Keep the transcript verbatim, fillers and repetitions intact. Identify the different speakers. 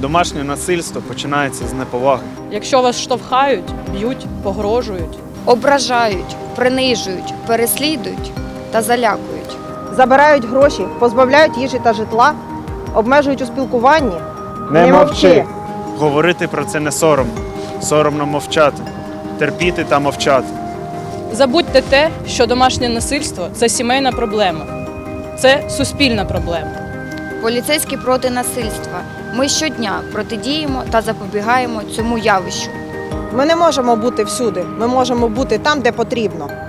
Speaker 1: Домашнє насильство починається з неповаги.
Speaker 2: Якщо вас штовхають, б'ють, погрожують,
Speaker 3: Ображають, принижують, переслідують та залякують.
Speaker 4: Забирають гроші, позбавляють їжі та житла, обмежують у спілкуванні.
Speaker 1: Не мовчи! Говорити про це не соромно. Соромно мовчати. Терпіти та мовчати.
Speaker 2: забудьте те, що домашнє насильство – це сімейна проблема, це суспільна проблема.
Speaker 3: Поліцейські проти насильства. Ми щодня протидіємо та запобігаємо цьому явищу.
Speaker 4: Ми не можемо бути всюди, ми можемо бути там, де потрібно.